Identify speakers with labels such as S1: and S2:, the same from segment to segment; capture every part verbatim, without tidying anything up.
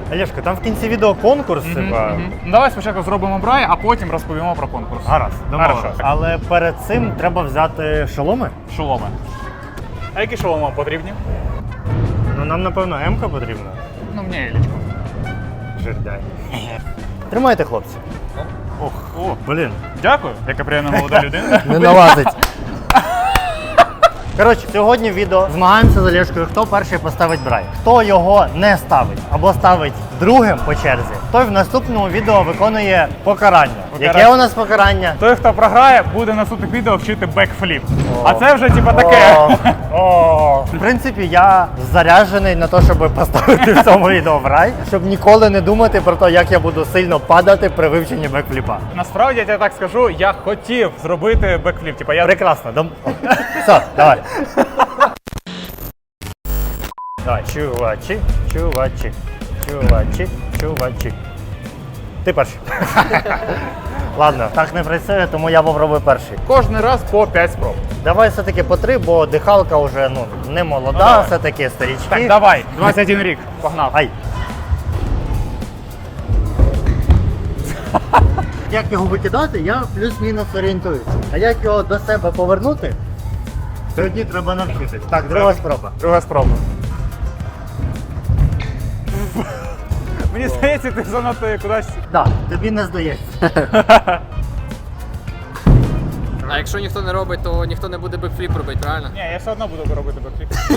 S1: Олешка, там в кінці відео конкурс.
S2: Мгм,
S1: типа.
S2: мгм. Ну, давай спочатку зробимо брай, а потім розповімо про конкурс.
S1: Гаразд, домовились.
S2: Хорошо.
S1: Але перед цим треба взяти шоломи.
S2: Шоломи. А які шоломи вам потрібні?
S1: Ну нам, напевно, М-ка потрібна.
S2: Ну, мені Елічку.
S1: Жирдай. Тримайте, хлопці.
S2: Ох, о,
S1: Блін.
S2: дякую, яка приємна молода людина.
S1: Не налазить. Коротше, сьогодні в відео змагаємося з Олешкою, хто перший поставить брай. Хто його не ставить або ставить другим по черзі, той в наступному відео виконує покарання.
S2: Покарання.
S1: Яке у нас покарання?
S2: Той, хто програє, буде на наступних відео вчити бекфліп. А це вже типа таке.
S1: О, о. В принципі, я заряджений на те, щоб поставити в цьому відео брай, щоб ніколи не думати про те, як я буду сильно падати при вивченні бекфліпа.
S2: Насправді, я тебе так скажу, я хотів зробити бекфліп. Типа я
S1: Прекрасно. Дом... Все, давай. Давай, чувачі, чувачі, чувачі, чувачі. Ти перший. Ладно, так не працює, тому я попробую перший.
S2: кожен раз по п'ять спроб.
S1: Давай все-таки по три, бо дихалка вже ну, не молода,
S2: Ну, давай.
S1: все-таки старічки.
S2: Так, давай, двадцять один рік, погнав.
S1: Ай. Як його викидати, я плюс-мінус орієнтуюся. А як його до себе повернути, тоді треба навчитись. Так, друга спроба.
S2: Друга спроба. Мені здається, ти занадто кудись.
S1: Так, тобі не здається.
S3: А якщо ніхто не робить, то ніхто не буде бекфліп робити, правильно?
S2: Ні, я все одно буду робити бекфліп.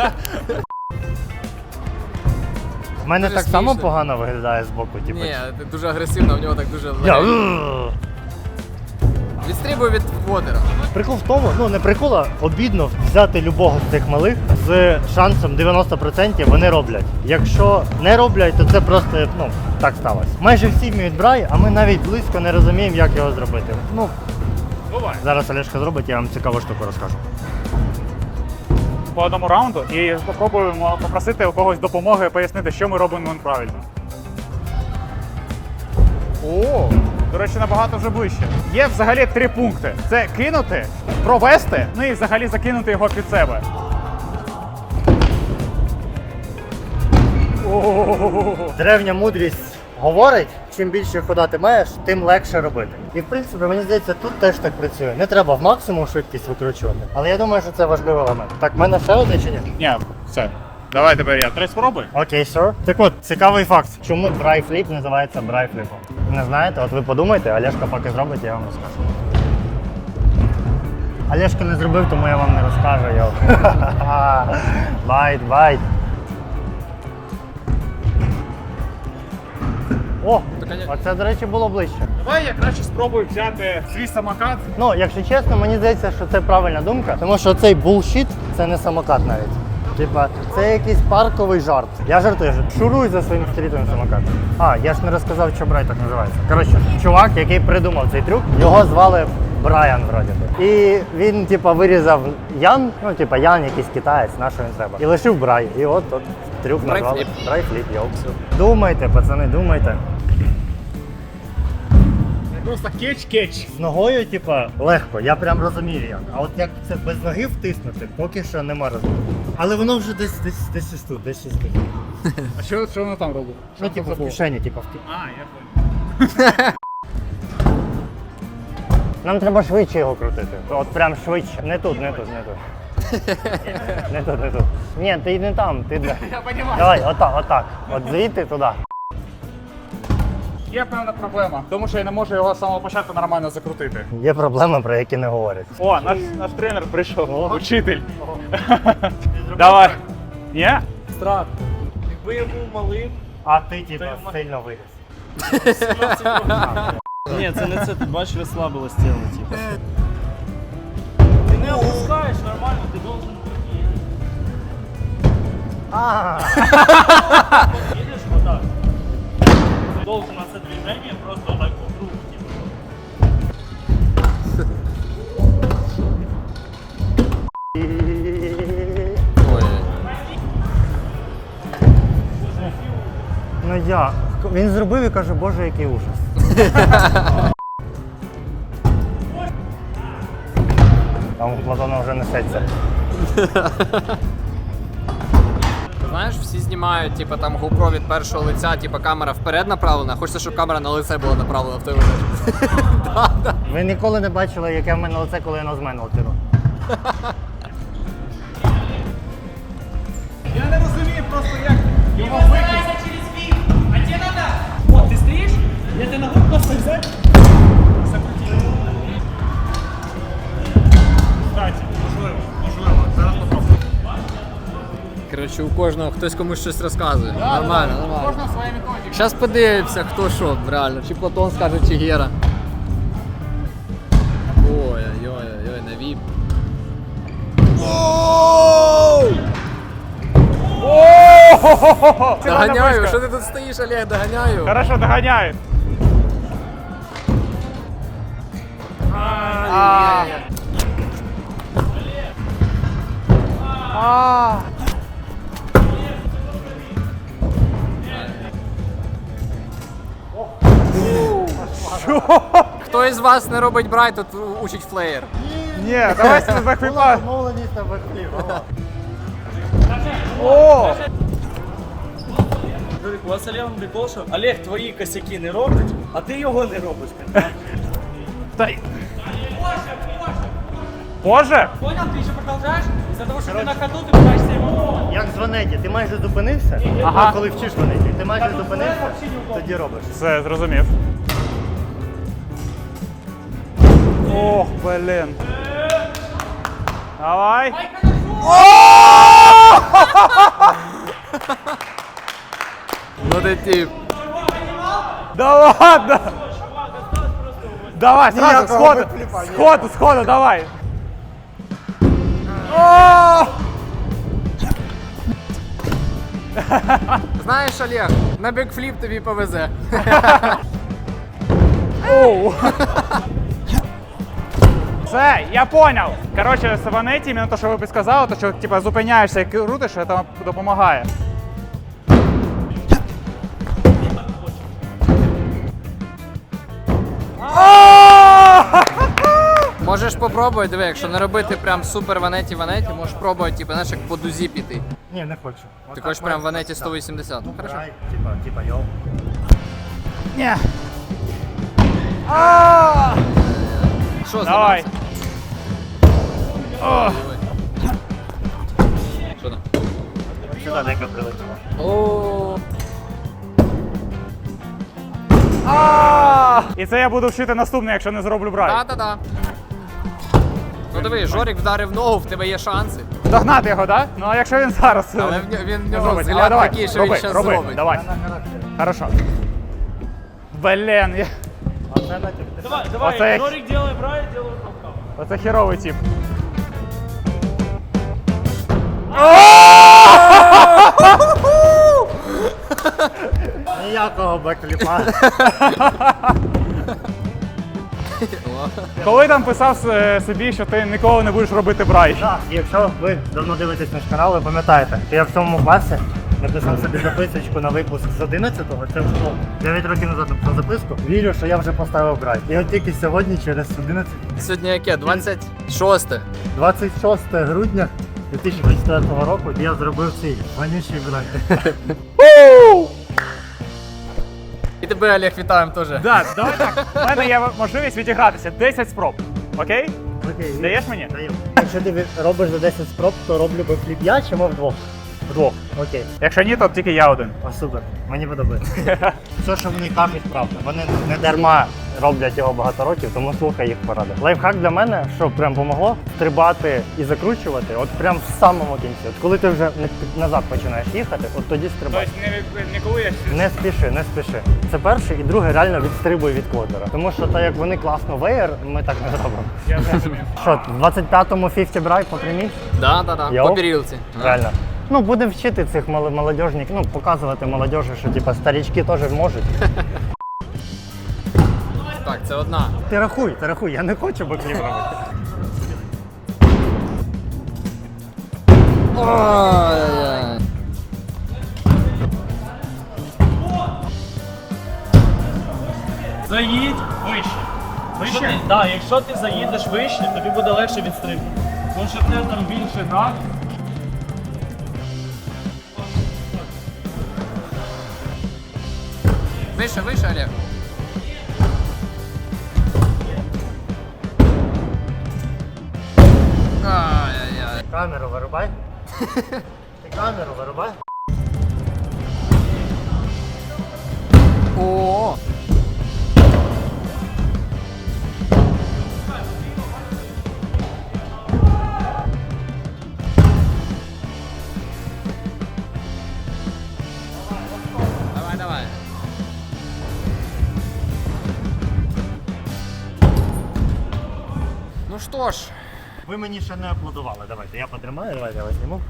S1: У мене
S3: Дуже
S1: так само
S3: смішно.
S1: погано виглядає збоку, типу.
S3: Ні, дуже агресивно, в нього так дуже
S1: Я...
S3: легенько. Відстрибує від водера.
S1: Прикол в тому, ну не прикол, а обідно взяти любого з цих малих з шансом дев'яносто відсотків вони роблять. Якщо не роблять, то це просто, ну, так сталося. Майже всі вміють брай, а ми навіть близько не розуміємо, як його зробити. Ну,
S2: Бувай.
S1: зараз Олешка зробить, я вам цікаву штуку розкажу.
S2: По одному раунду і спробуємо попросити у когось допомоги пояснити, що ми робимо неправильно. О, до речі, набагато вже ближче. Є взагалі три пункти. Це кинути, провести, ну і взагалі закинути його під себе. О-о-о-о-о.
S1: Древня мудрість говорить, чим більше хода ти маєш, тим легше робити. І в принципі, мені здається, тут теж так працює. Не треба в максимум швидкість викручувати. Але я думаю, що це важливий елемент. Так, в мене ще одне чи ні?
S2: Ні, все. Давай тепер я. Три спроби.
S1: Окей, сер. Так от, цікавий факт. Чому брайфліп називається брайфліпом? Не знаєте? От ви подумайте, Олешка поки зробить, я вам розкажу. Олешка не зробив, тому я вам не розкажу, йо. Байт, байт. О, оце, до речі, було ближче.
S2: Давай я краще спробую взяти свій самокат.
S1: Ну, якщо чесно, мені здається, що це правильна думка, тому що цей булшіт – це не самокат навіть. Типа, це якийсь парковий жарт. Я жартую, що шуруй за своїм стрітовим самокатом. А, я ж не розказав, що Брай так називається. Коротше, чувак, який придумав цей трюк, його звали Брайан вроді би. І він, типа, вирізав Ян, ну, типа, Ян якийсь китаєць, на що він треба. І лишив Брай. І от, от трюк назвали
S3: Брайфліп.
S1: Брайфліп, йоу. Думайте, пацани, думайте.
S2: Просто кетч-кетч.
S1: З ногою, типа, легко, я прям розумію як. А от як це без ноги втиснути, поки що нема розуміння. Але воно вже десь десь десь ось тут, десь ось тут.
S2: А що, що воно там робить?
S1: Ну, типу, в кишені, типу, в ки-
S2: А, я понял.
S1: Нам треба швидше його крутити. От прям швидше. Не тут, не тут, не тут. Не тут, не тут. Ні, ти не там, ти де.
S2: Я розумію.
S1: Давай, отак, отак. От звідти туди.
S2: Є певна проблема, тому що я не можу його з самого початку нормально закрутити.
S1: Є проблеми, про які не говорять.
S2: О, наш, наш тренер прийшов,
S1: Ого.
S2: учитель. Давай. Ні?
S4: Страт. Якби я був малим,
S1: А ти, типу,
S4: Ти-
S1: сильно виріс.
S4: сімнадцять років. Ні, це не це, ти бачиш, розслабилось тіло, типу. Ти не опускаєш нормально, ти должен бути.
S1: А,
S4: Їдеш отак. Ти должен на це движення просто так по кругу, типу.
S3: Ой.
S1: ну я. Він зробив і каже, боже, який ужас. Там у Платона вже несеться.
S3: Знаєш, всі знімають, типу, там GoPro від першого лиця, типу, камера вперед направлена, хочеться, щоб камера на лице була направлена в той момент. Да, да.
S1: Ви ніколи не бачили, яке в мене лице, коли я нозменував тиру.
S2: Я не розумію просто, як його викинути.
S4: Вот, ты стоишь, я тебе ногу просто взять, закрутить. Кстати, можливо, можливо, зараз попробую.
S3: Коротше, у кожного хтось комусь щось розказує. Нормально, нормально.
S2: Кожна своя методика.
S3: Зараз подивимося, хто що, реально. Чи Платон скаже, чи Гера. Ой-ой-ой, на віп.
S2: О-о-о-о-о! Це
S3: Доганяю,
S2: близько.
S3: що ти тут стоїш, Олег, доганяю.
S2: Хорошо, доганяють. А. А.
S3: Хто із вас не робить брайт, тут учить флеєр.
S2: Ні, давай себе бекфліпа.
S1: Домовленість на бекфліп.
S2: О!
S4: Жорик, у вас Олегом прикол, що Олег твої косяки не робить, а ти його не робиш.
S2: Та... Боже!
S4: Понял, ты еще продолжаешь? Из-за того, что ты на ходу, ты пытаешься ему...
S1: Як з Ванеті, ти майже зупинився,
S2: Ага.
S1: а коли вчиш Ванеті, ти майже зупинився, тоді робиш.
S2: Все, зрозумів. Ох, блін. Давай.
S3: Ну ти тип.
S2: Да ладно! Давай, сразу,
S1: Ніякого
S2: сходу,
S1: бекфліпа,
S2: сходу, сходу, давай. О!
S3: Знаєш, Олег, на бекфліп тобі повезе.
S2: Оу. Все, я понял. Короче, з Ванеті, іменно те, що ви підсказали, то що типа зупиняєшся і крутиш, це там допомагає.
S3: Можеш попробувати, диви, якщо не робити прям супер ванеті ванеті, можеш пробувати, типу, знаєш, як по дузі піти.
S1: Ні, не хочу.
S3: Ти хочеш прям ванеті сто вісімдесят. Ну, хорошо.
S1: Типа, типа, йоу.
S2: Ні. А!
S3: Що,
S2: Давай.
S3: зламався?
S2: О!
S3: Що там?
S1: Сюди дека прилетіла.
S3: О,
S2: А! І це я буду вчити наступне, якщо не зроблю брай.
S3: та-та-та. Ну диви, Жорик вдарив ногу, в тебе є шанси.
S2: Догнати його, так? Да? Ну а якщо він зараз. е,
S3: Але в нього- він в
S2: не
S3: нього
S2: зробить. Але
S3: взгляд
S2: давай,
S3: такий, що
S2: роби,
S3: він щас
S2: роби,
S3: зробить.
S2: Давай.
S1: На характері.
S2: Хорошо. Блін, я...
S1: Оце на тебе.
S4: Давай, давай,
S2: Оце-
S4: Жорик делай брай, делай толкав.
S2: Оце херовий тип.
S1: Ніякого бекфліпа.
S2: Коли там писав е, собі, що ти ніколи не будеш робити брай?
S1: Так, якщо ви давно дивитесь наш канал, ви пам'ятаєте, що я в цьому класі написав собі записочку на випуск з одинадцятого, це ну, дев'ять років назад написав записку. Вірю, що я вже поставив брай. І от тільки сьогодні, через одинадцять,
S3: Сьогодні яке? двадцять шосте.
S1: двадцять шостого грудня дві тисячі двадцять четвертого року я зробив цей вонючий брай.
S3: І тебе, Олег, вітаємо теж.
S2: Да, давай так. У мене є можливість відігратися. десять спроб. Окей?
S1: Окей,
S2: Даєш мені?
S1: Даю. Якщо ти робиш за десять спроб, то роблю бекфліп я чи ми вдвох?
S2: Вдвох.
S1: Окей.
S2: Якщо ні, то тільки я один.
S1: О, супер, мені подобається. Все, що вони кажуть, правда. Вони не дарма роблять його багато років, тому слухай їх поради. Лайфхак для мене, що прям помогло, стрибати і закручувати, от прям в самому кінці. От коли ти вже не- назад починаєш їхати, от тоді стрибай.
S2: Тобто не, не коли я
S1: Не спіши, не спіши. Це перше, і друге реально відстрибуй від квотера. Тому що так як вони класно веєр, ми так не зробимо.
S2: Я зрозумів.
S1: Що, в двадцять п'ятому п'ятдесят брай по прямій?
S3: Да, да, да.
S1: Йоу.
S3: По перілці.
S1: Реально. Ну, будемо вчити цих мол- молодіжників, ну, показувати молодіжі, що типа старічки теж можуть.
S3: Так, це одна.
S1: Ти рахуй, ти рахуй, я не хочу бекліп робити.
S3: Ой-ой-ой.
S4: Заїдь вище. Вище? Так, да, якщо ти заїдеш вище, тобі буде легше відстрибнути. Тому що в тебе там більше град.
S3: Вище, вище, Олег. Ай-яй-яй.
S1: Камеру вирубай. Ти камеру вирубай.
S3: О. Давай, давай. Ну що ж,
S1: Ви мені ще не аплодували. Давайте, я потримаю, давайте я вас зніму.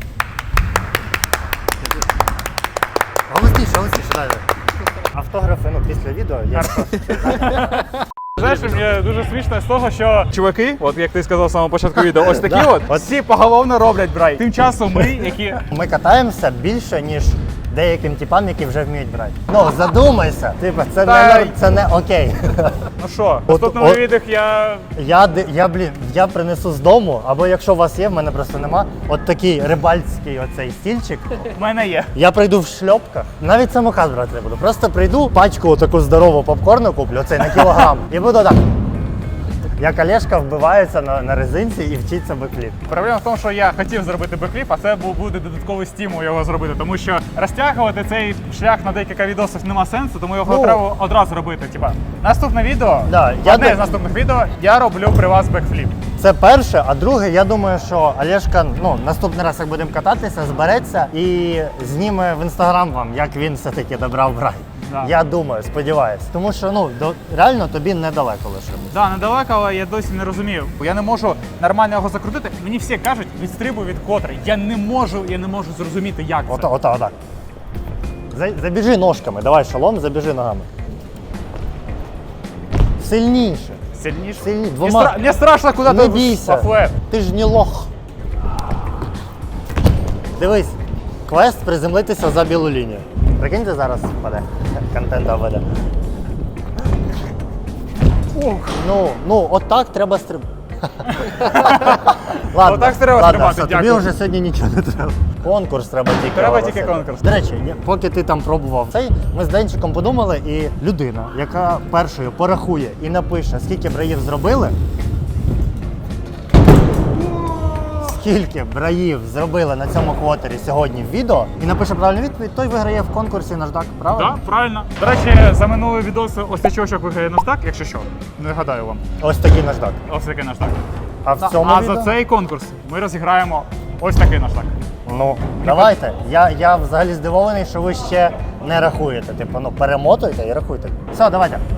S1: Голосніше, голосніше, дайте. Автографи, ну, після відео я...
S2: Знаєш, мені дуже смішно з того, що чуваки, от як ти сказав в самому початку відео, ось такі
S1: Да.
S2: от, от всі поголовно роблять брай. Тим часом ми, які
S1: Ми катаємося більше, ніж деяким типам, які вже вміють брати. Ну, задумайся. Типа, це,
S2: Та
S1: не,
S2: й-
S1: це не окей.
S2: ну що, в
S1: От-
S2: наступному
S1: от-
S2: відео я
S1: Я, ди- я, блін, я принесу з дому, або якщо у вас є, в мене просто нема, от такий рибальський оцей стільчик.
S2: в мене є.
S1: Я прийду в шльопках, навіть самокат брати не буду. Просто прийду, пачку таку здорову попкорну куплю, оцей на кілограм, і буду так. Як Олешка вбивається на, на резинці і вчиться бекліп.
S2: Проблема в тому, що я хотів зробити бекліп, а це був буде додатковий стимул його зробити, тому що розтягувати цей шлях на декілька відосів нема сенсу, тому його
S1: Ну.
S2: треба одразу робити. Типа наступне відео,
S1: Да, я
S2: одне
S1: дум-
S2: з наступних відео, я роблю при вас бекфліп.
S1: Це перше, а друге, я думаю, що Олешка, ну, наступний раз, як будемо кататися, збереться і зніме в інстаграм вам, як він все-таки добрав брай.
S2: Да.
S1: Я думаю, сподіваюсь. Тому що ну до, реально тобі недалеко лише буде.
S2: Да, недалеко, але я досі не розумію. Бо я не можу нормально його закрутити. Мені всі кажуть, відстрибуй від котри. Я не можу, я не можу зрозуміти, як це.
S1: Ота, ота, отак. За- Забіжи ножками, давай шалом, забіжи ногами.
S2: Сильніше.
S1: Сильніше. Сильні-
S2: Мені,
S1: двома.
S2: стра... Мені страшно, куди
S1: Не
S2: ти
S1: бійся.
S2: по флет.
S1: Ти ж не лох. Дивись, квест приземлитися за білу лінію. Прикиньте, зараз впаде. Контент веде.
S2: Ух.
S1: Ну, ну, отак треба стриб. Ладно,
S2: Отак треба
S1: ладно,
S2: стрибати,
S1: все, тобі
S2: дякую.
S1: вже сьогодні нічого не треба. Конкурс треба тільки.
S2: Треба
S1: оголосити.
S2: тільки конкурс.
S1: До речі, ні, поки ти там пробував цей, ми з Денчиком подумали, і людина, яка першою порахує і напише, скільки браїв зробили, скільки браїв зробили на цьому квотері сьогодні в відео, і напише правильну відповідь, той виграє в конкурсі наждак, правильно?
S2: Так, правильно. До речі, за минулий відос ось цей чувачок виграє наждак, якщо що. Не гадаю вам.
S1: Ось такий наждак.
S2: Ось такий наждак.
S1: А в цьому
S2: А
S1: відео?
S2: за цей конкурс ми розіграємо ось такий наждак.
S1: Ну, давайте. Я, я взагалі здивований, що ви ще не рахуєте. Типу, ну перемотуйте і рахуйте. Все, давайте.